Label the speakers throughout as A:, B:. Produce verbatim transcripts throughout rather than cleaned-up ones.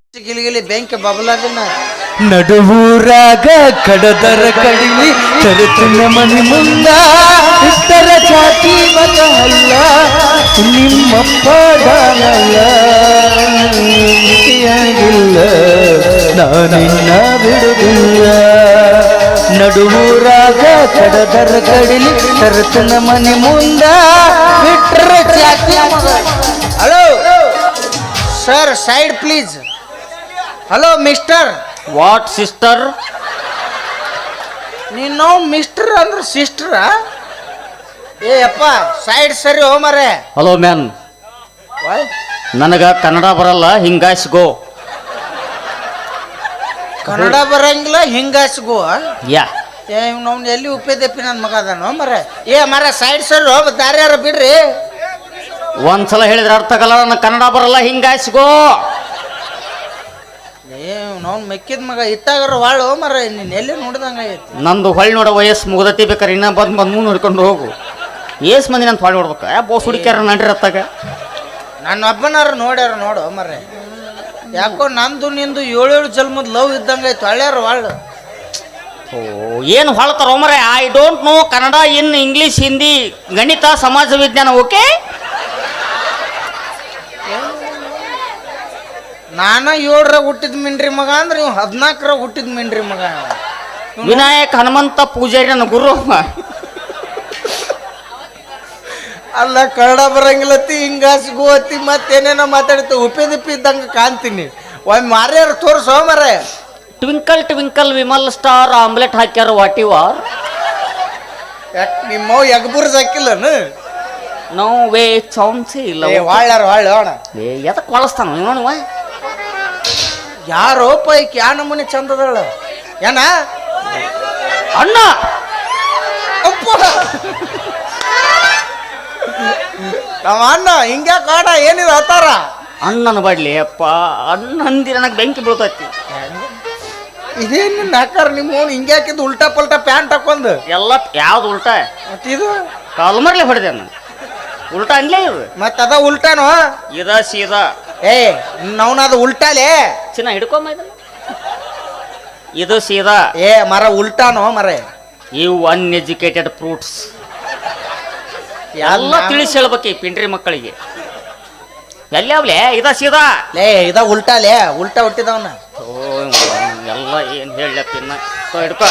A: ಗಿಲಿಗಿಲಿ ಬೆಂಕಿ ಬಬಲದಿನ
B: ನಡುವೂರಾಗ ಕಡದರ ಕಡಿಲಿ ತರುತ್ತಿನ ಮನಿ ಮುಂದ ಇಷ್ಟರ ಜಾತಿ ಮತ ಅಲ್ಲ ನಿಮ್ಮಪ್ಪ ದಾನಲ್ಲ ಮಿತಿಯಾಗಿಲ್ಲ ನಾನಿನ್ನ ಬಿಡುವುದಿಲ್ಲ ನಡುವೂರಾಗ ಕಡದರ ಕಡಿಲಿ ತರುತ್ತಿನ ಮನಿ ಮುಂದ ಬಿಟ್ರ ಜಾತಿ
A: hello sir side please hello mister
C: what sister
A: ನೀನು ಮಿಸ್ಟರ್ ಅಂದ್ರೆ ಸಿಸ್ಟರ ಏ ಅಪ್ಪ ಸೈಡ್ ಸರಿ ಹೋ ಮರೆ
C: ಹಲೋ ಮ್ಯಾನ್ ನನಗ ಕನ್ನಡ ಬರಲ್ಲ ಹಿಂಗಾಸ್ಗೋ
A: ಕನ್ನಡ ಬರಂಗಿಲ್ಲ ಹಿಂಗಾಸ್ಗೋ
C: ಯಾ
A: ಏ ನಾವು ಎಲ್ಲಿ ಉಪ್ಪೇದಪ್ಪಿ ನನ್ನ ಮಗ ಅದಾನೋ ಮರೆ ಏ ಮರ ಸೈಡ್ ಸರಿ ಹೋ ದಾರ್ಯಾರ ಬಿಡ್ರಿ
C: ಒಂದ್ಸಲ ಹೇಳಿದ್ರೆ ಅರ್ಥ ಆಗಲ್ಲ ನನಗೆ ಕನ್ನಡ ಬರಲ್ಲ ಹಿಂಗಾಸ್ಗೋ
A: ಏ ನಾವು ಮೆಕ್ಕಿದ ಮಗ ಇತ್ತಾಗರ ವಾಳು ಮರ ನೀನು ಎಲ್ಲಿ ನೋಡ್ದಂಗ ಐತಿ
C: ನಂದು ಹೊಳ್ಳಿ ನೋಡೋ ವಯಸ್ಸು ಮುಗ್ದತಿ ಬೇಕಾರೆ ಇನ್ನ ಬಂದು ಬಂದು ನೋಡ್ಕೊಂಡು ಹೋಗು ಏಸ್ ಮಂದಿ ನಾನು ಹೊಳ್ಳಿ ನೋಡ್ಬೇಕು ಯಾ ಬೋಸ್ ಹುಡುಕ್ಯಾರ ನಡ್ರಿ ಅತ್ತಾಗ
A: ನನ್ನ ಒಬ್ಬನಾರು ನೋಡ್ಯಾರ ನೋಡು ಮರೆ ಯಾಕೋ ನಂದು ನಿಂದು ಏಳೇಳು ಜನ್ಮದ ಲವ್ ಇದ್ದಂಗ ಐತಿ ಹಳ್ಳ್ಯಾರ ವಾಳು
C: ಓ ಏನು ಹೊಳ್ತಾರ ಮರೆ I don't know Kannada in English Hindi ಗಣಿತ ಸಮಾಜ ವಿಜ್ಞಾನ ಓಕೆ
A: ನಾನ ಏಳರಾಗ ಹುಟ್ಟಿದ ಮಿಂಡ್ರಿ ಮಗ ಅಂದ್ರೆ ಇವ್ ಹದಿನಾಲ್ಕರಾಗ ಹುಟ್ಟಿದ ಮಿಂಡ್ರಿ ಮಗ
C: ವಿನಾಯಕ್ ಹನುಮಂತ ಪೂಜಾರಿ ನನ್ನ ಗುರು
A: ಅಲ್ಲ ಕನ್ನಡ ಬರಂಗಿಲ್ಲತ್ತಿ ಹಿಂಗಾಸಿ ಗೋತಿ ಮತ್ತೇನೇನೋ ಮಾತಾಡ್ತಿ ಉಪ್ಪಿದಿಪ್ಪಿ ಇದ್ದಂಗ ಕಾಣ್ತೀನಿ ಒಮ್ಮೆ ಮಾರ್ಯಾರ ತೋರ್ಸೋ ಮರ
C: ಟ್ವಿಂಕಲ್ ಟ್ವಿಂಕಲ್ ವಿಮಲ್ ಸ್ಟಾರ್ ಆಮ್ಲೆಟ್ ಹಾಕ್ಯಾರ ವಾಟ್ ಯು ಆರ್
A: ನಿಮ್ಮವ್ ಎಗ್ಬುರ್ಸ್ ಹಾಕಿಲ್ಲನು
C: ನೋ ವೇ ಚಾನ್ಸೇ ಇಲ್ಲ
A: ವಾಳ್ಯಾರ ವಾಳ್ಯ ಅಣ್ಣ
C: ಏ ಎದಕ್ಕೆ ಬಳಸ್ತಾನ ನೋಡುವ
A: ಯಾರೋ ಪೈಕಿ ಯಾ ನಮೂನಿ ಚಂದದಳ ಏನ
C: ಅಣ್ಣ
A: ಅಪ್ಪ ನಮ್ಮ ಅಣ್ಣ ಹಿಂಗ್ಯಾ ಕಾಡ ಏನಿದೆ ಅತ್ತಾರ
C: ಅಣ್ಣನ ಬಡ್ಲಿ ಅಪ್ಪ ಅಣ್ಣ ಅಂದಿ ನನಗೆ ಬೆಂಕಿ ಬೀಳ್ತೈತಿ
A: ಇದೇನು ನಾಕಾರ ನಿಮ್ಮ ಹಿಂಗೆ ಹಾಕಿದ್ದು ಉಲ್ಟಾ ಪಲ್ಟಾ ಪ್ಯಾಂಟ್ ಹಾಕೊಂಡ್
C: ಎಲ್ಲ ಯಾವ್ದು ಉಲ್ಟಾ
A: ಮತ್ತಿದು
C: ಕಾಲ್ಮರ್ಲೆ ಹೊಡೆದೆ ನಾನು ಉಲ್ಟಾ ಅನ್ಲೇ ಇದು
A: ಮತ್ತ ಅದ ಉಲ್ಟಾನು
C: ಇದ ಸೀದಾ
A: ಏ ನವನದು ಉಲ್ಟಾಲೇ
C: ಚಿನ್ನ ಹಿಡ್ಕೊಂಬ ಇದನ್ನ ಇದು ಸೀದಾ
A: ಏ ಮರ ಉಲ್ಟಾನು ಮರ
C: ಇವು ಅನ್ಎಜುಕೇಟೆಡ್ ಫ್ರೂಟ್ಸ್ ಎಲ್ಲ ತಿಳಿಸಿ ಹೇಳ್ಬೇಕು ಪಿಂಡ್ರಿ ಮಕ್ಕಳಿಗೆ ಎಲ್ಲವ್ಲೆ ಇದ ಸೀದಾ
A: ಲೇ ಇದ ಉಲ್ಟಾಲೇ ಉಲ್ಟಾ ಹುಟ್ಟಿದವನ
C: ಓ ಎಲ್ಲ ಏನು ಹೇಳಪ್ಪ ಇನ್ನ ಹಿಡ್ಕೊ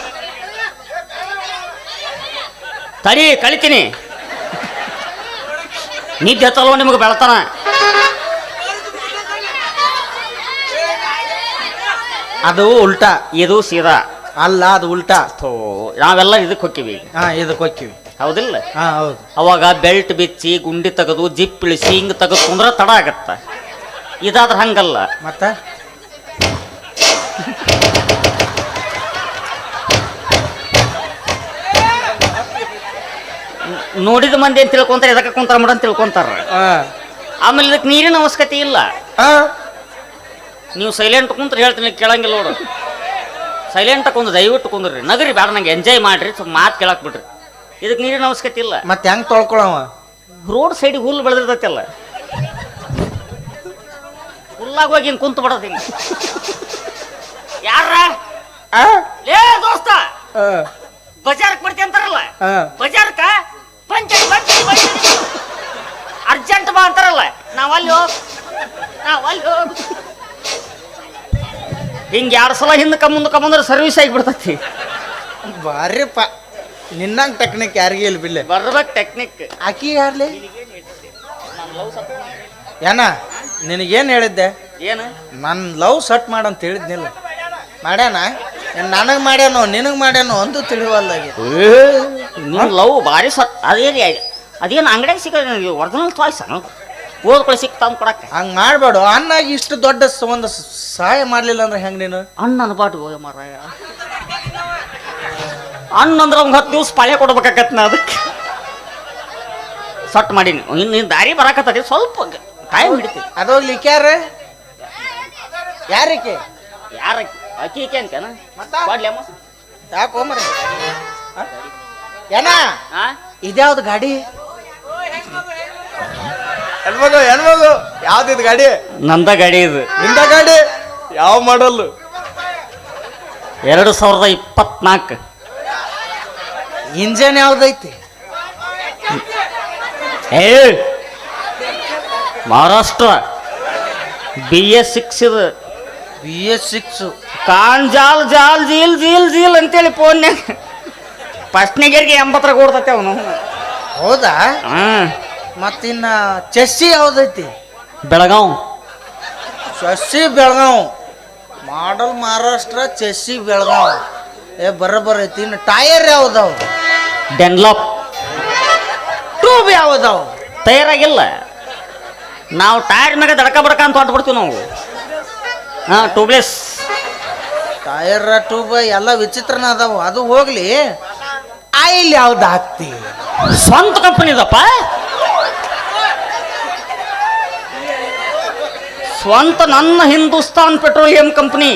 C: ತಡಿ ಕಳಿತೀನಿ ನಿದ್ದೆ ಹತ್ತಲ್ವ ನಿಮಗೆ ಬೆಳತಾನ
A: ಅದು ಉಲ್ಟಾ
C: ಇದು ಸೀದಾ
A: ಅಲ್ಲ ಅದು ಉಲ್ಟಾ
C: ಥೋ ನಾವೆಲ್ಲ ಇದಕ್ಕೆ ಹೋಗ್ತೀವಿ
A: ಹಾ ಇದಕ್ಕೆ ಹೋಗ್ತೀವಿ
C: ಹೌದಿಲ್ಲ
A: ಹಾ ಹೌದು
C: ಅವಾಗ ಬೆಲ್ಟ್ ಬಿಚ್ಚಿ ಗುಂಡಿ ತೆಗೆದು ಜಿಪ್ ಇಳಿಸಿ ಹಿಂಗೆ ತೆಗೆದು ಕುಂದ್ರೆ ತಡ ಆಗತ್ತ ಇದಾದ್ರೆ ಹಂಗಲ್ಲ
A: ಮತ್ತ
C: ನೋಡಿದ ಮಂದಿ ಅಂತ ತಿಳ್ಕೊಂತಾರೆ ಎದಕ್ಕೆ ಕುಂತಾರ ಮಾಡ ಅಂತ ತಿಳ್ಕೊಂತಾರ ಆಮೇಲೆ ಇದಕ್ಕೆ ನೀರಿನ ಅವಶ್ಯಕತೆ ಇಲ್ಲ ನೀವು ಸೈಲೆಂಟ್ ಕುಂತ್ರೆ ಹೇಳ್ತೀನಿ ಕೇಳಂಗಿಲ್ಲ ನೋಡು ಸೈಲೆಂಟ್ ಕುಂದ್ರೆ ದಯವಿಟ್ಟು ಕುಂದ್ರಿ ನಗರಿ ಬೇಡ ನಂಗೆ ಎಂಜಾಯ್ ಮಾಡ್ರಿ ಸ್ವಲ್ಪ ಮಾತು ಕೇಳಕ್ ಬಿಡ್ರಿ ಇದಕ್ಕೆ ನೀರಿನ ಅವಶ್ಯಕತೆ ಇಲ್ಲ
A: ಮತ್ತೆ ಹೆಂಗ್ ತೊಳ್ಕೊಳವ
C: ರೋಡ್ ಸೈಡಿಗೆ ಹುಲ್ಲು ಬೆಳೆದಿರ್ತೈತಲ್ಲ ಹುಲ್ಲಾಗ ಹೋಗಿ ಹಿಂಗೆ ಕುಂತು ಬಿಡೋದು ಯಾರ ಲೇ ದೋಸ್ತ ಬಜಾರ್ಕ್ ಬರ್ತಿ ಅಂತಾರಲ್ಲ ಬಜಾರ್ಕ ಪಂಚಾಯತ್ ಅರ್ಜೆಂಟ್ ಬಾ ಅಂತಾರಲ್ಲ ನಾವಲ್ಲಿ ಹೋಗ್ ನಾವಲ್ಲಿ ಹೋಗ್ ಹಿಂಗೆ ಎರಡು ಸಲ ಹಿಂದಕ್ಕೆ ಮುಂದಕ್ಕೆ ಬಂದ್ರೆ ಸರ್ವಿಸ್ ಆಗಿಬಿಡ್ತೈತಿ
A: ಬಾರಿ ಪ ನಿನ್ನಂಗ ಟೆಕ್ನಿಕ್ ಯಾರಿಗೆ ಇಲ್ಲ ಬಿಲ್ಲೆ
C: ಬರ್ಬೇಕು ಟೆಕ್ನಿಕ್
A: ಆಕಿ ಯಾರ್ಲಿ ಏನ ನಿನಗೇನು ಹೇಳಿದ್ದೆ
C: ಏನು
A: ನನ್ನ ಲವ್ ಸಟ್ ಮಾಡಂತ ಹೇಳಿದ್ನಿಲ್ಲ ಮಾಡ್ಯಾನ ನನಗೆ ಮಾಡ್ಯಾನೋ ನಿನಗೆ ಮಾಡ್ಯಾನೋ ಒಂದು ತಿಳಿವಲ್ದಾಗಿ
C: ನೀವು ಲವ್ ಭಾರಿ ಸಟ್ ಅದೇನು ಅದೇನು ಅಂಗಡಿಯಾಗ ಸಿಗ ಒರಿಜಿನಲ್ ಚಾಯ್ಸ್ ಓದ್ಕೊಳ್ಳಿ ಸಿಕ್ತಾವ ಕೊಡಕ್ಕೆ
A: ಹಂಗೆ ಮಾಡಬೇಡ ಅನ್ನಾಗಿ ಇಷ್ಟು ದೊಡ್ಡ ಒಂದು ಸಹಾಯ ಮಾಡಲಿಲ್ಲ ಅಂದ್ರೆ ಹೆಂಗೆ ನೀನು
C: ಅಣ್ಣನ ಬಾಟು ಹೋಗ ಮಾರಾಯ ಅಣ್ಣ ಅಂದ್ರೆ ಅವ್ಗೆ ಹತ್ತು ದಿವ್ಸ ಪಾಳ್ಯ ಕೊಡ್ಬೇಕಾಗತ್ತೆ ನಾ ಅದಕ್ಕೆ ಸಟ್ ಮಾಡೀನಿ ಇನ್ನು ದಾರಿ ಬರಾಕತ್ತದ ಸ್ವಲ್ಪ ಟೈಮ್ ಹಿಡಿತೀವಿ
A: ಅದೋಗ್ಲಿಕ್ಕೆ ಯಾರ ಯಾರಕ್ಕೆ
C: ಯಾರ ಅಕ್ಕಿ ಈಕೆ ಅಂತೇನ ಮಾಡ್ಲಿ ಅಮ್ಮ
A: ಯಾಕೋ ಮರ ಏನ
C: ಹಾ
A: ಇದ್ಯಾವ್ದು ಗಾಡಿ ಹೆಣ್ಮಗು ಹೆಣ್ಮಗು ಯಾವ್ದಿದ್ ಗಾಡಿ
C: ನಂದ ಗಾಡಿ ಇದು
A: ನಿಂದ ಗಾಡಿ ಯಾವ ಮಾಡಲ್ಲು?
C: ಎರಡು ಸಾವಿರದ ಇಪ್ಪತ್ನಾಲ್ಕು.
A: ಇಂಜನ್ ಯಾವ್ದೈತಿ?
C: ಏ ಮಹಾರಾಷ್ಟ್ರ ಬಿ ಎಸ್ ಸಿಕ್ಸ್ ಇದು.
A: ಬಿ ಎಸ್ ಸಿಕ್ಸ್
C: ಕಾನ್ ಜಾಲ್ ಜಾಲ್ ಜೀಲ್ ಜೀಲ್ ಜೀಲ್ ಅಂತೇಳಿ ಫೋನ್ಯಾಗ ಫಸ್ಟ್ನಿಗರಿಗೆ ಎಂಬತ್ತರಾಗ ಓಡ್ತತೆ ಅವನು.
A: ಹೌದಾ?
C: ಹಾಂ.
A: ಮತ್ತಿನ್ನ ಚೆಸ್ಸಿ ಯಾವ್ದೈತಿ?
C: Belgaum.
A: Chassis Belgaum model Maharashtra, chassis Belgaum. ಏ ಬರೋಬ್ಬರ ಐತಿ. ಇನ್ನು ಟೈರ್ ಯಾವ್ದಾವ?
C: ಡೆನ್ಲಾಪ್.
A: ಟ್ಯೂಬ್ ಯಾವ್ದಾವ?
C: ತಯಾರಾಗಿಲ್ಲ. ನಾವು ಟೈರ್ ಮ್ಯಾಗ ದಡಕ ಬಡಕ ಅಂತ ಹೊಟ್ಬಿಡ್ತೀವಿ ನಾವು. ಹಾಂ, ಟ್ಯೂಬ್ಲೆಸ್.
A: ಟೈರ್ ಟ್ಯೂಬ್ ಎಲ್ಲ ವಿಚಿತ್ರನ ಅದಾವ. ಅದು ಹೋಗ್ಲಿ, ಆಯಿಲ್ ಯಾವ್ದು ಹಾಕ್ತಿ?
C: ಸ್ವಂತ ಕಂಪನಿ ಇದಪ್ಪ. ಸ್ವಂತ ನನ್ನ Hindustan petroleum company.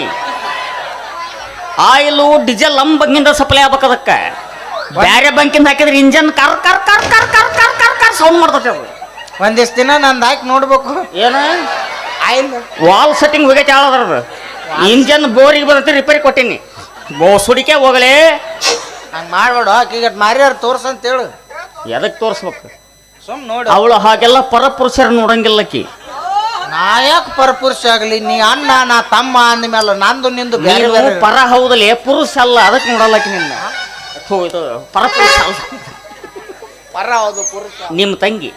C: Oil diesel ನಮ್ಮ ಬಂಕಿಂದ ಸಪ್ಲೈ ಆಗ್ಬೇಕು. ಅದಕ್ಕೆ ಬೇರೆ ಬಂಕಿಂದ ಹಾಕಿದ್ರೆ ಇಂಜನ್ ಕರ್ ಕರ್ ಕರ್ ಕರ್ ಕರ್ ಕರ್ ಕರ್ ಕರ್ ಸೌಂಡ್ ಮಾಡ್ತೈತೆ ಅದು.
A: ಒಂದಿಷ್ಟು ದಿನ ನಂದು ಹಾಕಿ ನೋಡ್ಬೇಕು.
C: ಏನು
A: ಆಯಿಲ್
C: ವಾಲ್ ಸೆಟ್ಟಿಂಗ್ ಹೋಗೈತೆ ಯಾವ್ದಾರ ಇಂಜನ್ ಬೋರಿಗೆ ಬರುತ್ತೆ, ರಿಪೇರಿ ಕೊಟ್ಟೀನಿ. ಬೋ ಸುಡಿಕೆ ಹೋಗಲೇ
A: ಹಂಗೆ ಮಾಡ್ಬೇಡ. ಆಕಿಗೆ ಮಾರ್ಯಾರ ತೋರ್ಸಂತ ಹೇಳು.
C: ಎದಕ್ಕೆ ತೋರಿಸ್ಬೇಕು?
A: ಸುಮ್ ನೋಡಿ.
C: ಅವಳು ಹಾಗೆಲ್ಲ ಪರಪುರುಷರ ನೋಡಂಗಿಲ್ಲಕ್ಕಿ.
A: ನಾಯಕ್ ಪರಪುರುಷ ಆಗಲಿ, ನೀ ಅಣ್ಣ ನಾ ತಮ್ಮ ಅಂದ್ಮೇಲೆ ನಂದು ನಿಂದು ಬೇರೆ
C: ನೀನು
A: ಬೇರೆ.
C: ಪರ ಹೌದಲ್ಲ, ಪುರುಷ ಅಲ್ಲ. ಅದಕ್ಕೆ ನೋಡಲ್ಲಕ್ಕಿ ನಿನ್ನ. ಥು, ಇದು ಪರಪುರುಷ ಅಲ್ಲ.
A: ಪರ ಹೌದು ಪುರುಷ.
C: ನಿಮ್ಮ ತಂಗಿ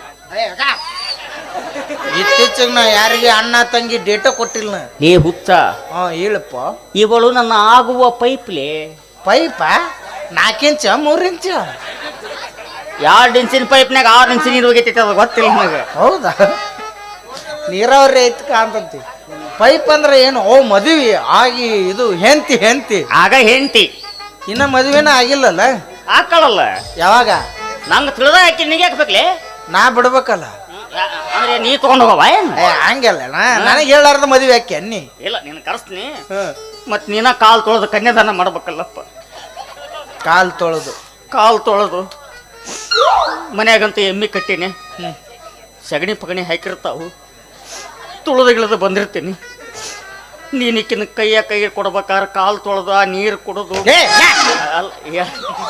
A: ಇತ್ತೀಚೆಗೆ ನಾ ಯಾರಿಗೆ ಅಣ್ಣ ತಂಗಿ ಡೇಟ ಕೊಟ್ಟಿಲ್ಲ ನಾ.
C: ಏ ಹುಚ್ಚ,
A: ಹಾ ಹೇಳಪ್ಪ.
C: ಇವಳು ನನ್ನ ಆಗುವ ಪೈಪ್ಲೆ.
A: ಪೈಪ ನಾಲ್ಕು ಇಂಚ ಮೂರು ಇಂಚ?
C: ಎರಡು ಇಂಚಿನ ಪೈಪ್ನಾಗ ಆರು ಇಂಚಿನ ನೀರು ಹೋಗೈತೈತೆ, ಅದು ಗೊತ್ತಿಲ್ಲ ನನಗೆ.
A: ಹೌದಾ? ನೀರಾವರಿ ಐತ್ ಕಾಂತಂತಿ. ಪೈಪ್ ಅಂದ್ರೆ ಏನು? ಓ ಮದುವೆ ಆಗಿ ಇದು ಹೆಂತಿ ಹೆಂತಿ
C: ಆಗ ಹೆಂಡತಿ
A: ಇನ್ನ ಮದುವೆನ ಆಗಿಲ್ಲಲ್ಲ?
C: ಹಾಕಳಲ್ಲ.
A: ಯಾವಾಗ?
C: ನಂಗೆ ತಿಳಿದ ಹಾಕಿ ನಿಗೆ ಹಾಕ್ಬೇಕ್ಲೆ.
A: ನಾ ಬಿಡ್ಬೇಕಲ್ಲ.
C: ಅಂದ್ರೆ ನೀ ತಗೊಂಡು ಹೋಗವ ಏನು?
A: ಏ ಹಂಗಲ್ಲ, ನನಗೆ ಹೇಳಾರ್ದ ಮದುವೆ ಹಾಕಿ ಅನ್ನಿ.
C: ಇಲ್ಲ, ನೀನು ಕರೆಸ್ತೀನಿ. ಮತ್ತು ನೀನ ಕಾಲು ತೊಳೆದು ಕನ್ಯಾದಾನ ಮಾಡ್ಬೇಕಲ್ಲಪ್ಪ.
A: ಕಾಲು ತೊಳೆದು
C: ಕಾಲು ತೊಳೆದು ಮನ್ಯಾಗಂತೂ ಎಮ್ಮಿ ಕಟ್ಟೀನಿ. ಸಗಣಿ ಪಗಣಿ ಹಾಕಿರ್ತಾವು. ತುಳಿದು ಗಿಳಿದು ಬಂದಿರ್ತೀನಿ. ನೀನಿಕ್ಕಿನ ಕೈಯ ಕೈ ಕೊಡ್ಬೇಕಾದ್ರೆ ಕಾಲು ತೊಳೆದು ಆ ನೀರು ಕುಡಿದು
A: ಏ, ಯಾ.
C: ಅಲ್ಲ ಯಾ-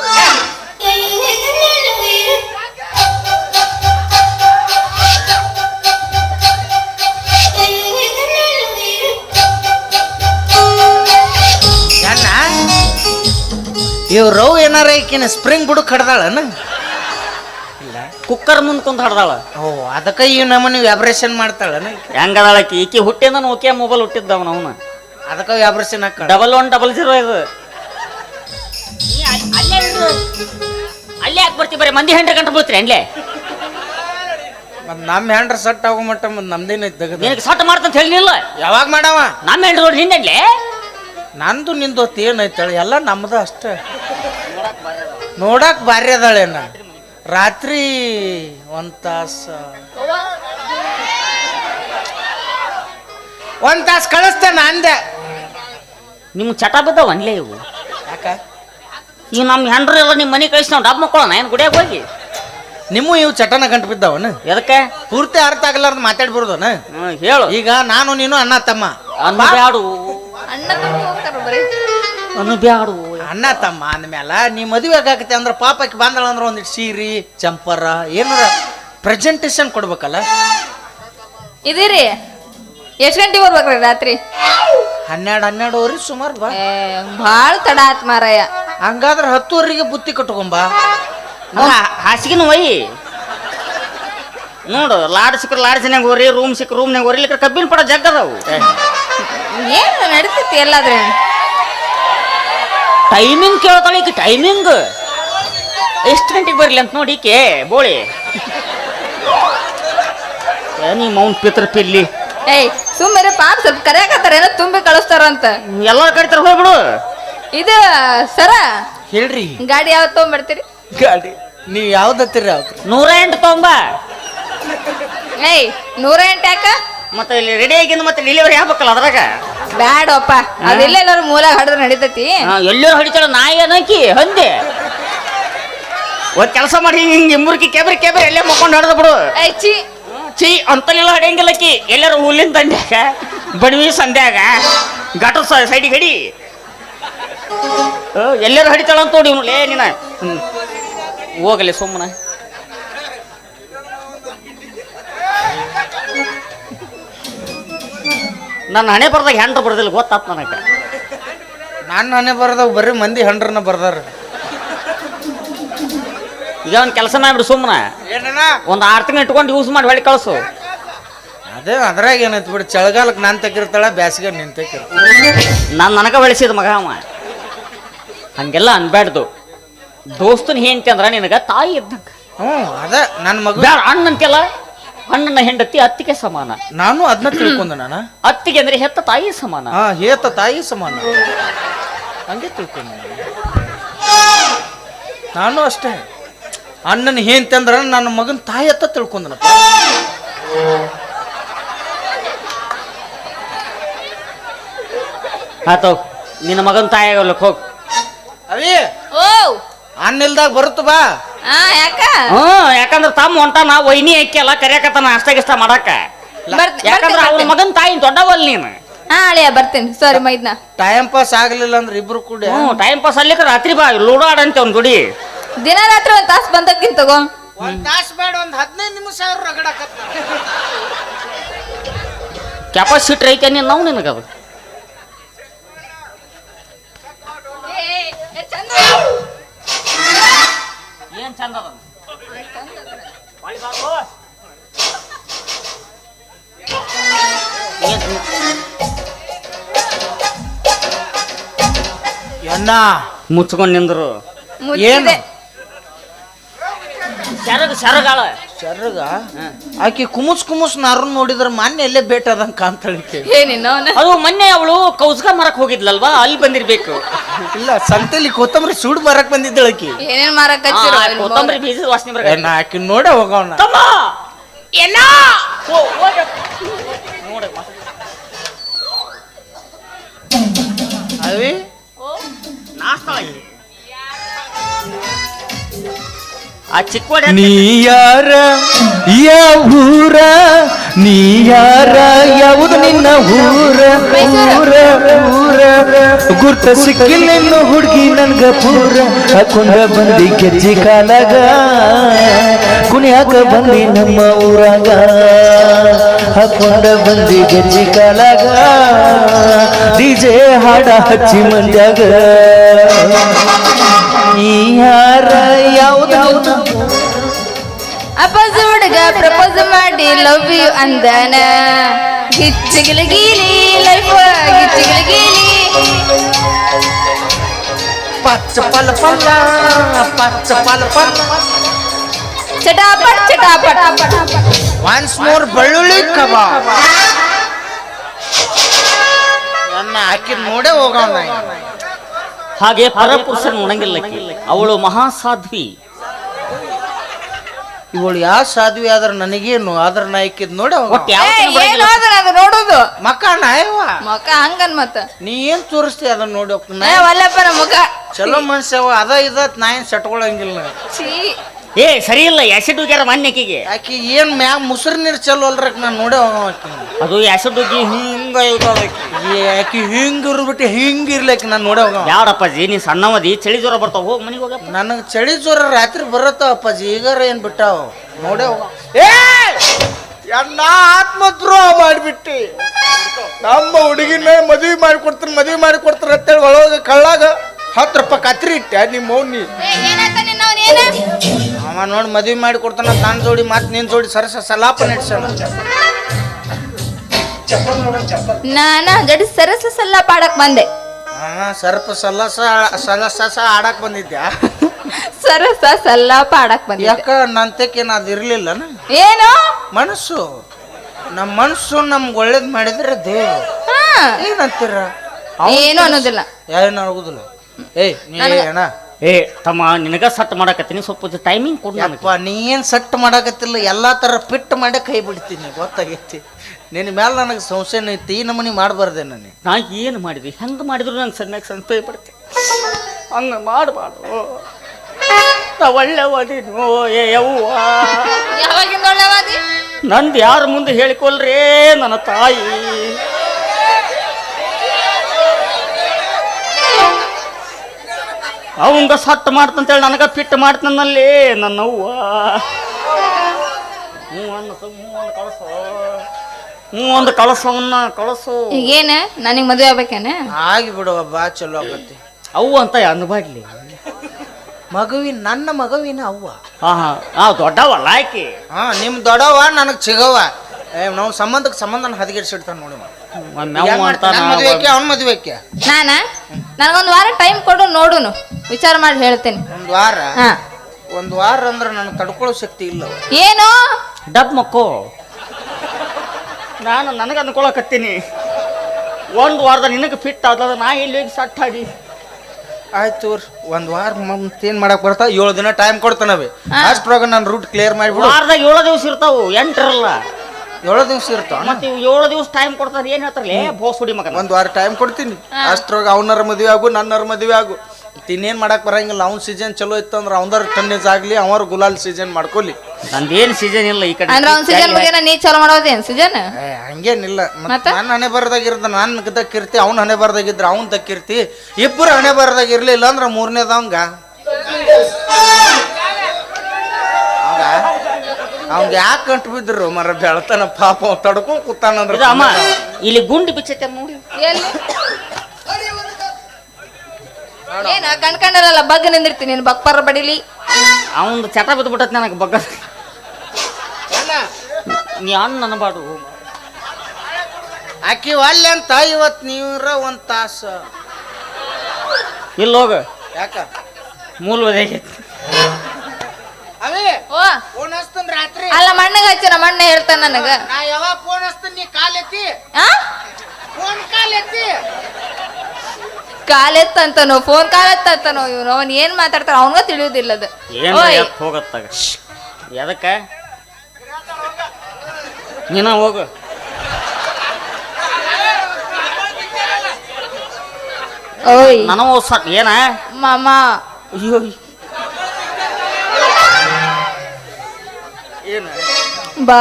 A: ಅಣ್ಣ ಇವ್ ರವ್ ಏನಾರ ಈಕಿನ ಸ್ಪ್ರಿಂಗ್ ಬುಡಕ್ ಕಡ್ದಾಳನ? ಇಲ್ಲ,
C: ಕುಕ್ಕರ್ ಮುಂದೆ ಕುಂತ ಹಡ್ದಾಳ.
A: ಓ ಅದಕ್ಕೆ ಈ ನಮ್ಮನಿ ವ್ಯಾಬ್ರೇಷನ್ ಮಾಡ್ತಾಳನ?
C: ಹೆಂಗದಾಳಕಿ ಈಕಿ ಹುಟ್ಟಿಂದ ಓಕೆ ಮೊಬೈಲ್ ಹುಟ್ಟಿದ್ದವ ಅವನ.
A: ಅದಕ್ಕೆ ವ್ಯಾಬ್ರೇಷನ್ ಹಾಕ.
C: ಡಬಲ್ ಒನ್ ಡಬಲ್ ಜೀರೋ ಇದು. ಅಲ್ಲೇ ಅಲ್ಲೇ ಯಾಕೆ ಬರ್ತೀವಿ? ಬರೀ ಮಂದಿ ಹೆಂಡ್ರ ಗಂಟೆ ಬೀಳ್ತೀರಿ ಅಲ್ಲೇ.
A: ಮತ್ ನಮ್ಮ ಹ್ಯಾಂಡ್ರ ಸಟ್ ಆಗೋ ಮಟ್ಟ ಮತ್ ನಮ್ದೇನ ತೆಗದ.
C: ನಿನಗೆ ಸಟ್ ಮಾಡ್ತಂತ ಹೇಳಿಲ್ಲ.
A: ಯಾವಾಗ ಮಾಡವ?
C: ನಮ್ಮ ಹೆಂಡ್ರ ನೋಡಿ ನಿಂದಲ್ಲೇ.
A: ನಂದು ನಿಂದು ಹೊತ್ತು ಏನೈತಾಳೆ ಎಲ್ಲ ನಮ್ದು ಅಷ್ಟ. ನೋಡಕ್ ಬಾರಿ ಅದಾಳೇನ? ರಾತ್ರಿ ಒಂದ್ ತಾಸ ಒಂದ್ ತಾಸ ಕಳಿಸ್ತೇನೆ ಅಂದೆ.
C: ನಿಮ್ಮ ಚಟ ಬಿದ್ದಾವ ಅನ್ಲೇ ಇವು.
A: ಯಾಕ?
C: ಈಗ ನಮ್ಮ ಹೆಂಡ್ರು ಎಲ್ಲ ನಿಮ್ಮ ಮನೆ ಕಳಿಸಿ ನಾವು ಡಬ್ ಮಕ್ಕಳೋಣ ಏನು ಗುಡಿಯಾಗ ಹೋಗಿ.
A: ನಿಮ್ಮ ಇವು ಚಟನ ಗಂಟು ಬಿದ್ದಾವನ?
C: ಎದಕ್ಕೆ?
A: ಪೂರ್ತಿ ಅರ್ಥ ಆಗಲಾರ್ದು ಮಾತಾಡ್ಬಿಡ್ದನ.
C: ಹ್ಞೂ ಹೇಳು.
A: ಈಗ ನಾನು ನೀನು ಅಣ್ಣ ತಮ್ಮ.
C: ಅನ್ಬ್ಯಾಡು
D: ಅಣ್ಣ ತಮ್ಮ ಹೋಗ್ತಾರ ಬರೀ.
C: ಅನ್ಬ್ಯಾಡು
A: ಅಣ್ಣ ತಮ್ಮ ಅಂದ್ಮ್ಯಾಲ ನೀ ಮದುವೆ ಆಗಾಕತ್ತೆ ಅಂದ್ರೆ ಪಾಪಕ್ಕೆ ಬಂದಳ ಅಂದ್ರೆ ಒಂದಿಟ್ಟು ಸೀರೆ ಚಂಪರ ಏನಾರ ಪ್ರೆಸೆಂಟೇಶನ್ ಕೊಡ್ಬೇಕಲ್ಲ.
D: ಇದೀರಿ ಎಷ್ಟ್ ಗಂಟೆಗೆ ಬರ್ಬೇಕ್ರಿ ರಾತ್ರಿ?
A: ಹನ್ನೆರಡು ಹನ್ನೆರಡುವರೆ ಸುಮಾರು ಬಾ.
D: ಏ ಭಾಳ ತಡ ಆತ್ ಮಾರಾಯ.
A: ಹಂಗಾದ್ರೆ ಹತ್ತುವರೆಗೆ ಬುತ್ತಿ ಕಟ್ಕೊಂಬ.
C: ಹಾಸಿಗೆನ ಒಯ್ ನೋಡು. ಲಾಡ್ ಸಿಕ್ಕರು ಲಾಡ್ಜಿನಾಗ ಹೋರಿ, ರೂಮ್ ಸಿಕ್ಕ ರೂಮ್ನಾಗ ಹೋರಿ. ಇಲ್ಲಿಕ್ಕೆ ಕಬ್ಬಿನ ಪಡ ಜಗ್ಗದವು.
D: ಏನ್ ನಡೀತೈತಿ ಎಲ್ಲಾದ್ರೆ?
C: ಟೈಮಿಂಗ್ ಕೇಳ್ತಾಳೆ ಈಕೆ. ಟೈಮಿಂಗ್ ಎಷ್ಟು ಗಂಟೆಗೆ ಬರಲಿ ಅಂತ ನೋಡಿ ಈಕೆ ಬೋಳಿ. ನೀ ಮೌನ್ ಪಿತ್ರ ಪಿಲ್ಲಿ.
D: ಏಯ್ ಸುಮ್ಮನೆ ಪಾಪ ಸ್ವಲ್ಪ ಕರೆಯಾಕತ್ತಾರ, ಏನೋ ತುಂಬಿ ಕಳಿಸ್ತಾರಂತ.
C: ಎಲ್ಲಾರು ಕಡಿತಾರ ಹೋಗ್ಬಿಡು.
D: ಇದು ಸರ
A: ಹೇಳ್ರಿ
D: ಗಾಡಿ ಯಾವತ್ ತಗೊಂಡ್ಬರ್ತೀರಿ?
A: ಗಾಡಿ ನೀವು ಯಾವ್ದತ್ತೀರಿ? ಯಾವ್ದು?
C: ನೂರ ಎಂಟು ತೊಂಬ.
D: ಏಯ್ ನೂರ ಎಂಟು ಯಾಕ?
C: ಮತ್ತೆ ಇಲ್ಲಿ ರೆಡಿ ಆಗಿಂದ ಮತ್ತೆ ಡೆಲಿವರಿ ಆಗ್ಬೇಕಲ್ಲ ಅದ್ರಾಗ.
D: ಬ್ಯಾಡಪ್ಪ, ಅದೆಲ್ಲ ಎಲ್ಲಾರು ಮೂಲ ಹಾಡಿದ್ರೆ ನಡೀತೈತಿ.
C: ಎಲ್ಲರೂ ಹೊಡಿತಾಳ. ನಾಯಿ ಏನಕಿ ಹಂದೆ ಒಂದ್ ಕೆಲಸ ಮಾಡಿ ಹಿಂಗೆ ಮುರುಕಿ ಕೆಬ್ರಿ ಕೆಬ್ರಿ ಎಲ್ಲೇ ಮಕ್ಕೊಂಡು ಹೊಡೆದ ಬಿಡು.
D: ಏಯ್ ಚಿ
C: ಚೀ ಅಂತಲೆಲ್ಲ ಹೊಡೆಯಂಗಿಲ್ಲಕ್ಕಿ. ಎಲ್ಲರೂ ಹುಲ್ಲಿನ ದಂಡ್ಯಾಗ ಬಡವಿ ಸಂಧ್ಯಾಗ ಗಾಟ ಸೈಡಿಗೆ ಹಡಿ ಎಲ್ಲರೂ ಹಡಿತಾಳ ಅಂತ ನೋಡಿ ಇವನು ಲೇ ನೀನ ಹ್ಮ್. ಹೋಗಲಿ ಸುಮ್ಮನೆ ನನ್ನ ಹಣೆ ಬರ್ದಾಗ ಹೆಂಡ್ರ ಬರ್ದಿಲ್ಲ ಗೊತ್ತಾತ್ ನನಗೆ
A: ನಾನು ನಾನೇ ಬರ್ದಾಗ ಬರೀ ಮಂದಿ ಹಂಡ್ರನ್ನ ಬರ್ದಾರ
C: ಈಗ ಒಂದು ಕೆಲಸ ಮಾಡ್ಬಿಡು ಸುಮ್ಮನೆ
A: ಏನಣ್ಣ
C: ಒಂದು ಆರು ತಿಂಗಳು ಇಟ್ಕೊಂಡು ಯೂಸ್ ಮಾಡಿ ಹೊಳಿ ಕಳಿಸು
A: ಅದೇ ಅದ್ರಾಗ ಏನೈತಿ ಬಿಡು ಚಳಿಗಾಲಕ್ಕೆ ನಾನು ತೆಗಿರ್ತಾಳ ಬ್ಯಾಸಿಗೆ ನಿನ್ ತೆಗಿರ್
C: ನಾನು ನನಗೆ ಬೆಳೆಸಿದ ಮಗ ಅವ ಹಂಗೆಲ್ಲ ಅನ್ಬ್ಯಾಡ್ದು ದೋಸ್ತನ ಹೆಂಡತಿ ಅಂದ್ರ ನಿನಗ ತಾಯಿ ಇದ್ದಂಗ
A: ಹ್ಞೂ ಅದ ನನ್ನ ಮಗ
C: ಬ್ಯಾಡ ಅಣ್ಣ ಅಂತೆಲ್ಲ ಅಣ್ಣನ ಹೆಂಡತಿ ಅತ್ತಿಗೆ ಸಮಾನ
A: ನಾನು ಅದನ್ನ ತಿಳ್ಕೊಂಡೆ ನಾನು
C: ಅತ್ತಿಗೆ ಅಂದ್ರೆ ಹೆತ್ತ ತಾಯಿ ಸಮಾನ
A: ಹಾ ಹೇತ ತಾಯಿ ಸಮಾನ ಹಂಗೆ ತಿಳ್ಕೊಂಡೆ ನಾನು. ನಾನು ಅಷ್ಟೇ ಅಣ್ಣನ ಹೇಂತಿ ಅಂದ್ರ ನನ್ನ ಮಗನ ತಾಯಿ ಅತ್ತ ತಿಳ್ಕೊಂಡನಪ್ಪ
C: ಆತವ್ ನಿನ್ನ ಮಗನ ತಾಯಿ ಆಗಲ್ಲಕ್ ಹೋಗ್
A: ಅವಿ
D: ಓ
A: ಅಣ್ಣ ಇಲ್ದಾಗ ಬರುತ್ತ ಬಾ
D: ಆ ಯಾಕ
C: ಹ್ಮ್ ಯಾಕಂದ್ರ ತಮ್ಮ ಹೊಂಟಾನ ವೈನಿ ಹಾಕ್ಯಲ್ಲ ಕರ್ಯಾಕತ್ತಾನ ಅಷ್ಟ ಗಿಷ್ಟ ಮಾಡಾಕ
D: ಬರ್ತ್-
C: ಯಾಕಂದ್ರ
D: ಬರ್ತೀನಿ,
C: ಅವ್ನ ಮಗನ ತಾಯಿ ದೊಡ್ಡವಲ್ ನೀನು
D: ಹಾ ಅಳಿಯ ಬರ್ತೀನಿ ಸಾರಿ ಮೈದ್ನ
A: ಟೈಮ್ ಪಾಸ್ ಆಗ್ಲಿಲ್ಲ ಅಂದ್ರೆ ಇಬ್ರು ಕೂಡ
C: ಹ್ಮ್ ಟೈಮ್ ಪಾಸ್ ಅಲ್ಲಿಕ ರಾತ್ರಿ ಬಾ ಲೂಡೋ ಆಡಂತೆ ಅವ್ನ ಗುಡಿ
D: ದಿನ ರಾತ್ರಿ ಒಂದ್ ತಾಸ್ ಬಂದಕ್ಕಿಂತ ತಗೋ
A: ಒಂದ್ ತಾಸ್ ಬೇಡ ಒಂದ್ ಹದಿನೈದು ನಿಮಿಷ ಅವ್ರು ರಗಡಕತ್ತ
C: ಕೆಪಾಸಿಟಿ ಐತೆ ನೀನು ನಾವು ನಿನಗದು ಏನ್ ಚಂದ ಅದ
A: ಎನ್ನ
C: ಮುಚ್ಕೊಂಡ್ ನಿಂದ್ರು
A: ಏನು
D: ಮುಚ್ಚಿದೆ
C: ಸೆರಗ ಸೆರಗಾಳ
A: ಚರ್ಗ ಆಕಿ ಕುಮುಸ್ ಕುಮುಸ್ ನಾರು ನೋಡಿದ್ರ ಮೊನ್ನೆ ಎಲ್ಲೇ ಬೇಟ ಅದಂಗ ಕಾಣ್ತಾಳಿಕೆ
D: ಏನಿನ್ನ ಅವನ
C: ಅದು ಮೊನ್ನೆ ಅವಳು ಕೌಸ್ಗ ಮರಕ್ ಹೋಗಿದ್ಲಲ್ವಾ ಅಲ್ಲಿ ಬಂದಿರ್ಬೇಕು
A: ಇಲ್ಲ ಸಂತೆಲಿ ಕೊತ್ತಂಬರಿ ಸುಡ್ ಮರಕ್ ಬಂದಿದ್ದಳ ಆಕಿ
D: ಏನೇನ್ ಮಾರಕ್
C: ಆ, ಕೊತ್ತಂಬರಿ ಬೀಜದ ವಾಸನೆ ಬರ
A: ಏನ ಆಕಿ ನೋಡ ಹೋಗವನ
C: ತಮ್ಮ ಎಲ್ಲ ನೋಡ
A: ಅವಿ
C: ನಾಸ್ತಾ ಆ ಚಿಕ್ಕ
B: ನೀ ಯಾರ ಯಾವೂರ ನೀ ಯಾರ ಯಾವುದು ನಿನ್ನ ಊರ ಊರ ಊರ ಗುರ್ತ ಸಿಕ್ಕಿಲ್ಲೆನ್ನು ಹುಡುಗಿ ನನ್ಗ ಪೂರ ಹಾಕೊಂಡ ಬಂದಿ ಗೆಜ್ಜಿ ಕಾಲಾಗ ಕುಣಿಯಾಕ ಬಂದಿ ನಮ್ಮ ಊರಾಗ ಹಾಕೊಂಡ ಬಂದಿ ಗೆಜ್ಜಿ ಕಾಲಾಗ ಡಿಜೆ ಹಾಡ ಹಚ್ಚಿ ಮಂಡ್ಯಾಗ ನೀ ಯಾರ ಯಾವ್ದು
D: ಅಪ್ಪಸ ಹುಡುಗ ಪ್ರಪೋಸ್ ಮಾಡಿ ಲವ್ ಯು ಅಂದನ ಗಿಚ್ಚಿಗಿಲ ಗೀಲಿ ಲೈಫ್ ಗಿಚ್ಚಿಗಿಲ ಗೀಲಿ
A: ಪಚ್ಚ ಪಲ ಪಲ್ಲ ಪಚ್ಚ ಪಲ ಪಲ್ಲ
D: ಚಟಾಪಟ್ ಚಟಾಪಟ್
A: ಒನ್ಸ್ ಮೋರ್ ಬೆಳ್ಳುಳ್ಳಿ ಕಬಾಬ್ ನನ್ನ ಆಕಿ ನೋಡೇ ಹೋಗವನ
C: ಹಾಗೆ ಪರಪುರುಷನ ಉಣಂಗಿಲ್ಲ ಅವಳು ಮಹಾಸಾಧ್ವಿ
A: ಇವಳು ಯಾವ ಸಾಧ್ವಿ ಆದ್ರ ನನಗೇನು ಆದ್ರ ನಾ ಆಕಿದ್ ನೋಡೇ
C: ಒಟ್ಟು
A: ಹೋಗ
C: ಯಾವ
D: ಏನು ಅದನ್ನ ಅದು ನೋಡುದು
A: ಮಕ್ಕ ನಾಯವ್ವ
D: ಮುಖ ಹಂಗನ್ ಮತ್ತ
A: ನೀ ಏನ್ ತೋರಿಸ್ತಿ ಅದನ್ನ ನೋಡಿ ಹೋಗ್ತೀನಿ
D: ಏ ವಲ್ಲಪ್ಪ ನಮ್ಮ ಮುಖ
A: ಚಲೋ ಮನುಷ್ಯವ ಅದ ಇದ ನಾ ಏನ್ ಸಟ್ಕೊಳಂಗಿಲ್ಲ
D: ಛೀ
C: ಏ ಸರಿ ಇಲ್ಲ ಆಸಿಡ್ ಹೋಗ್ಯಾರ ಮಾನ್ಯಕಿಗೆ
A: ಆಕಿ ಏನ್ ಮ್ಯಾಗ ಮುಸುರ್ ನೀರ್ ಚಲೋ ಅಲ್ರಕ್ ನಾ ನೋಡೇ ಹೋಗವ ಆಕಿ
C: ಅದು ಆಸಿಡ್ ಹೋಗಿ ಹಿಂಗ ಇರ್ತದ ಆಕಿ.
A: ಆಕಿ ಹಿಂಗ್ ಇರ್ಬಿಟ್ಟು ಹಿಂಗ್ ಇರ್ಲಿಕ್ಕೆ ನಾನು ನೋಡೇ ಹೋಗವ
C: ಬ್ಯಾಡಪ್ಪಾಜಿ ನೀ ಸಣ್ಣವದಿ ಚಳಿ ಜ್ವರ ಬರ್ತಾವ ಹೋಗಿ ಮನೆಗೆ ಹೋಗಪ್ಪ
A: ನನಗ್ ಚಳಿ ಜ್ವರ ರಾತ್ರಿ ಬರತ್ತ ಅಪ್ಪಾಜಿ ಈಗಾರ ಏನ್ ಬಿಟ್ಟಾವ ನೋಡೇ ಹೋಗ ಏ ಅಣ್ಣ ಆತ್ಮದ್ರೋಹ ಮಾಡ್ಬಿಟ್ಟಿ ನಮ್ಮ ಹುಡುಗಿನ ಮದ್ವಿ ಮಾಡಿ ಕೊಡ್ತೀನಿ ಮದ್ವಿ ಮಾಡಿ ಕೊಡ್ತಾರ ಅಂತೇಳಿ ಒಳಗ ಕಳ್ಳಾಗ ಹತ್ತು ರೂಪಾಯಿ ಕತ್ರಿ ಇಟ್ಟೆ ನಿಮ್ಮ ಮೌನಿ ಅವ ನೋಡಿ ಮದ್ವಿ ಮಾಡಿ ಕೊಡ್ತಾನ ನನ್ನ ಜೋಡಿ ಮತ್ ನಿನ್ ಜೋಡಿ ಸರಸ ಸಲಾಪ ನಡೆಸೋಣ
D: ನಾನ ಜಡಿ ಸರಸ ಸಲ್ಲ ಪಾಡಕ್ ಬಂದೆ
A: ಹಾ ಸರ್ಪ ಸಲಸ ಸಲಸ ಆಡಕ್ ಬಂದಿದ್ಯಾ
D: ಸರಸ ಸಲ್ಲ ಪಾಡಕ್ ಬಂದೆ
A: ಯಾಕ ನಂತಕ್ಕೇನ ಅದು ಇರ್ಲಿಲ್ಲ
D: ಏನು
A: ಮನಸ್ಸು ನಮ್ಮ ಮನಸ್ಸು ನಮ್ಗೆ ಒಳ್ಳೇದ್ ಮಾಡಿದ್ರೆ ದೇವ್ರು
D: ಹಾ
A: ಏನಂತೀರ
D: ಏನು ಅನ್ನೋದಿಲ್ಲ
A: ಏನು ಆಗುದಿಲ್ಲ ಏಯ್ ನೀ ಅಣ್ಣ
C: ಏ ತಮ್ಮ ನಿನಗ ಸಟ್ ಮಾಡಕತ್ತೀನಿ ಸ್ವಲ್ಪ ಟೈಮಿಂಗ್ ಕೊಡು ನನಗೆ
A: ಯಪ್ಪ ನೀ ಏನ್ ಸೆಟ್ ಮಾಡಕತ್ತಿಲ್ಲ ಎಲ್ಲಾ ತರ ಫಿಟ್ ಮಾಡೇ ಕೈ ಬಿಡ್ತೀನಿ ಗೊತ್ತಾಗೈತಿ ನಿನ್ನ ಮೇಲೆ ನನಗೆ ಸಂಶಯ ಐತಿ ಈ ನಮನಿ ಮಾಡಬಾರ್ದೆ ನನಗೆ
C: ನಾ ಏನು ಮಾಡಿದ್ವಿ ಹೆಂಗೆ ಮಾಡಿದ್ರು ನಂಗೆ ಸಣ್ಣಗೆ ಸಂತೋಷ ಪಡ್ತೆ ಹಂಗೆ ಮಾಡಬಾರ್ದು ನಾ ಒಳ್ಳೆವದಿನೋ ಏ ಯವ್ವ
D: ಯಾವಾಗಿಂದ ಒಳ್ಳೆವಾದಿ
C: ನಂದು ಯಾರ ಮುಂದೆ ಹೇಳಿಕೊಳ್ರೇ ನನ್ನ ತಾಯಿ ಅವಂಗ ಸಟ್ ಮಾಡ್ತಂತೇಳಿ ನನಗ ಫಿಟ್ ಮಾಡ್ತಾನಲ್ಲಿ ನನ್ನವ್ವ. ಹ್ಞೂ ಅನ್ನಸು ಹ್ಞೂ ಒಂದು ಕಳಸು ಹ್ಞೂ ಒಂದು ಕಳಸವನ್ನ ಕಳಸು.
D: ಈಗೇನ ನನಗೆ ಮದುವೆ ಆಗ್ಬೇಕೇನ?
A: ಆಗಿ ಬಿಡುವ ಬಾ ಚಲೋ ಆಗತ್ತೆ.
C: ಅವು ಅಂತ ಅನ್ಬಾಡ್ಲಿ
A: ಮಗುವಿನ ನನ್ನ ಮಗುವಿನ ಅವ್ವ.
C: ಹಾ ಹಾ ಆ ದೊಡ್ಡವಲ್ಲ ಆಕಿ.
A: ಹಾ ನಿಮ್ ದೊಡ್ಡವ ನನಗ್ ಚಿಗವ. ಏ ನಾವು ಸಂಬಂಧಕ್ಕೆ ಸಂಬಂಧ ಹದಗೆಡ್ಸಿಡ್ತಾನ ನೋಡಿ. ಮದುವೆಕ್ಕೆ ಅವ್ನ ಮದುವೆಕ್ಕೆ
D: ನಾನ ನನಗೊಂದು ವಾರ ಟೈಮ್ ಕೊಡು, ನೋಡುನು ವಿಚಾರ ಮಾಡಿ ಹೇಳ್ತೇನೆ.
A: ಒಂದ್ ವಾರ?
D: ಹಾ
A: ಒಂದ್ ವಾರ ಅಂದ್ರೆ ನನಗೆ ತಡ್ಕೊಳ್ಳೋ ಶಕ್ತಿ ಇಲ್ಲ.
D: ಏನು
C: ಡಬ್ ಮಕ್ಕೋ, ನಾನು ನನಗೆ ಅನ್ಕೊಳಕತ್ತೀನಿ ಒಂದು ವಾರದ ನಿನಗೆ ಫಿಟ್ ಆದ ನಾ ಇಲ್ಲಿ ಸಟ್ ಆಗಿ.
A: ಆಯ್ತು ಒಂದ್ ವಾರ ಮತ್ತೇನ್ ಮಾಡಕ್ ಬರ್ತಾವ? ಏಳು ದಿನ ಟೈಮ್ ಕೊಡ್ತಾನವೆ. ಅಷ್ಟ್ರೊಳಗ ನಾನು ರೂಟ್ ಕ್ಲಿಯರ್ ಮಾಡಿಬಿಡು.
C: ವಾರದಾಗ ಏಳು ದಿವಸ ಇರ್ತಾವು, ಎಂಟರಲ್ಲ
A: ಏಳು ದಿವಸ ಇರ್ತಾವ.
C: ಮತ್ತೆ ಇವು ಏಳು ದಿವಸ ಟೈಮ್ ಕೊಡ್ತಾರೆ. ಏನ್ ಹೇಳ್ತಾರಲ್ಲ ಬೋಸ್ ಹುಡಿ ಮಗ.
A: ಒಂದ್ ವಾರ ಟೈಮ್ ಕೊಡ್ತೀನಿ. ಅಷ್ಟ್ರೊಳಗ ಅವನರ ಮದುವೆ ಆಗು, ನನ್ನರ ಮದುವೆ ಆಗು. ಇನ್ನೇನ್ ಮಾಡಕ್ ಬರಂಗಿಲ್ಲ. ಅವ್ನ ಸೀಸನ್ ಚಲೋ ಇತ್ತು ಅಂದ್ರೆ ಅವನರ ಟನ್ನೇಜ್ ಆಗ್ಲಿ, ಅವರ ಗುಲಾಲ್ ಸೀಸನ್ ಮಾಡ್ಕೊಲಿ.
C: ನಂದೇನ್ ಸೀಸನ್ ಇಲ್ಲ ಈ ಕಡೆ.
D: ಅಂದ್ರೆ ಅವ್ನ ಸೀಸನ್ ಮುಗಿನ ನೀ ಚಲೋ ಮಾಡೋದೇನ್ ಸೀಸನ್?
A: ಹಂಗೇನಿಲ್ಲ. ನನ್ನ ಹಣೆ ಬರದಾಗಿರ್ದ ನಾನ್ ದಕ್ಕಿರ್ತಿ, ಅವ್ನ ಹಣೆ ಬರದಾಗಿದ್ರ ಅವ್ನ್ ದಕ್ಕಿರ್ತಿ. ಇಬ್ಬರು ಹಣೆ ಬರದಾಗಿರ್ಲಿಲ್ಲ ಅಂದ್ರೆ ಮೂರನೇದವಂಗ ಅವಂಗ ಯಾಕೆ ಕಂಟು ಬಿದ್ರು ಮರ ಬೆಳತಾನ ಪಾಪ ತಡ್ಕೊಂಡ್ ಕೂತಾನಂದ್ರ.
C: ಅಮ್ಮ ಇಲ್ಲಿ ಗುಂಡಿ ಬಿಚ್ಚೈತೆ ನೋಡಿ.
D: ಎಲ್ಲಿ ಏನ ಕಣ್ಕಂಡಲ್ಲ ಬಗ್ ನಿಂದಿರ್ತೀನಿ ನೀನು ಬಕ್ಪರ ಬಡಿಲಿ.
C: ಅವಂದು ಚಟ ಬಿದ್ದು ಬಿಟ್ಟತ್ ನನಗೆ ಬಗ್ಗ. ನೀ ಅನ್ನ ನನಬಾಡು.
A: ಆಕಿ ಅಲ್ಲೆ ಅಂತ ಇವತ್ ನೀವ್ರ ಒಂದ್ ತಾಸ
C: ಇಲ್ಲ ಹೋಗ.
A: ಯಾಕ
C: ಮೂಲ ಒದಗೈತಿ.
A: ಅವೇ
D: ಓ
A: ಫೋನ್ ಹಚ್ತನ್ ರಾತ್ರಿ.
D: ಅಲ್ಲ ಮಣ್ಣಗ ಹಚ್ಚ ನಮ್ಮ ಅಣ್ಣ ಹೇಳ್ತಾನ ನನಗ.
A: ನಾ ಯಾವಾಗ ಫೋನ್ ಹಚ್ತನ್ ನೀ ಕಾಲ್ ಎತ್ತಿ.
D: ಆ
A: ಫೋನ್ ಕಾಲ್ ಎತ್ತಿ.
D: ಕಾಲ್ ಎತ್ತಂತನೋ ಫೋನ್ ಕಾಲ್ ಎತ್ತಂತನೋ ಇವನು. ಅವನ್ ಏನ್ ಮಾತಾಡ್ತಾರ ಅವನ್ಗ ತಿಳಿಯೋದಿಲ್ಲ ಅದು.
C: ಏನ್ ಹೋಗತ್ತಾಗ ಎದಕ್ಕ ನೀನ ಹೋಗು.
D: ಓಯ್
C: ನನಗೂ ಸ ಏನ
D: ಮಾಮ
C: ಅಯ್ಯೋ
A: ಏನ
D: ಬಾ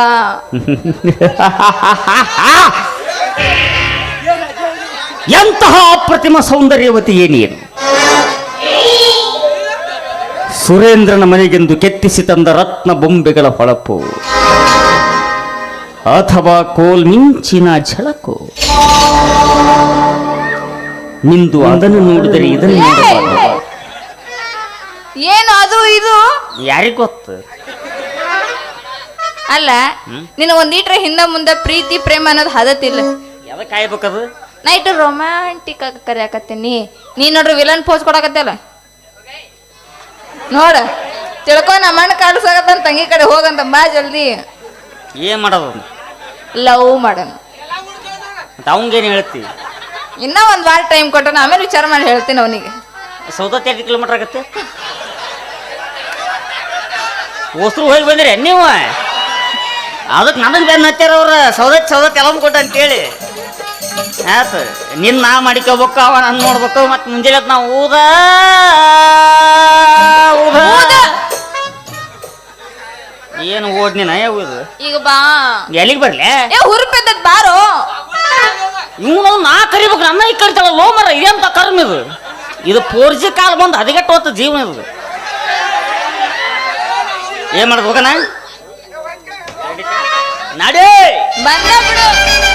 C: ಎಂತಹ ಅಪ್ರತಿಮ ಸೌಂದರ್ಯವತಿ ಏನೇನು. ಸುರೇಂದ್ರನ ಮನೆಗೆಂದು ಕೆತ್ತಿಸಿ ತಂದ ರತ್ನ ಬೊಂಬೆಗಳ ಹೊಳಪು ಅಥವಾ ಕೋಲ್ ಮಿಂಚಿನ ಝಳಕು. ನಿಂದು ಅದನ್ನು ನೋಡಿದರೆ ಇದನ್ನು ನೋಡಬಾರದು.
D: ಏನು ಅದು ಇದು
C: ಯಾರಿಗ ಗೊತ್ತು?
D: ಅಲ್ಲ ನಿನ್ನ ಒಂದ್ ಈಟ್ರ ಹಿಂದ ಮುಂದ ಪ್ರೀತಿ ಪ್ರೇಮ ಅನ್ನೋದು ಹದತಿಲ್ಲ.
C: ಯಾವ್ದು ಕಾಯ್ಬೇಕದು?
D: ನಾ ಇಟ್ಟು ರೊಮ್ಯಾಂಟಿಕ್ ಆಗಿ ಕರಿಯಾಕತ್ತೀನಿ. ನೀ ನೋಡ್ರಿ ವಿಲನ್ ಪೋಸ್ ಕೊಡಕತ್ತಲ್ಲ ನೋಡ. ತಿಳ್ಕೊ ನಮ್ಮ ಮಣ್ಣು ಕಾಡ್ಸಾಕತ್ತ ತಂಗಿ ಕಡೆ ಹೋಗಂತ ಬಾ ಜಲ್ದಿ.
C: ಏನ್ ಮಾಡೋದು?
D: ಲವ್ ಮಾಡೋಣ.
C: ಅವಂಗೇನು ಹೇಳ್ತಿ?
D: ಇನ್ನ ಒಂದ್ ವಾರ ಟೈಮ್ ಕೊಟ್ಟನ, ಆಮೇಲೆ ವಿಚಾರ ಮಾಡಿ ಹೇಳ್ತೀನಿ ಅವನಿಗೆ.
C: ಸೌದತ್ತಿ ಎರಡು ಕಿಲೋಮೀಟರ್ ಆಗತ್ತೆ. ಹೊಸರು ಹೋಗಿ ಬಂದ್ರಿ ನೀವು? ಅದಕ್ಕೆ ನನಗೆ ಬೆನ್ನ ಹಚ್ಚಾರ ಅವ್ರ ಸೌದತ್ತಿ ಸೌದತ್ತಿ ಎಲ್ಲ ಕೊಟ್ಟ ಅಂತೇಳಿ. ಆಯ್ತು ನಿನ್ನ ನಾ ಮಾಡಿಕೋಬೇಕು, ಅವ ನಾನು ನೋಡ್ಬೇಕು. ಮತ್ತೆ ಮುಂಜಾನೆ ನಾವು ಊದ ಊದ ಏನು ಓದ್ನಿ ನಯ ಊದು.
D: ಈಗ ಬಾ
C: ಎಲ್ಲಿಗೆ ಬರ್ಲೆ?
D: ಏ ಹುರುಪೆದ್ದ ಬಾರೋ.
C: ಇವನು ನಾ ಕರಿಬೇಕು, ನನ್ನ ಈ ಕರಿತಾಳ ಲೋ ಮರ. ಇದೇಂತ ಕರ್ಮ ಇದು. ಇದು ಫೋರ್ ಜಿ ಕಾಲ್ ಬಂದು ಹದಿಗೆಟ್ಟು ಹೊತ್ತು ಜೀವನ ಇದು. ಏನ್ ಮಾಡೋದು ಹೋಗಣ ನಡಿ
D: ಬಂದ ಬಿಡು.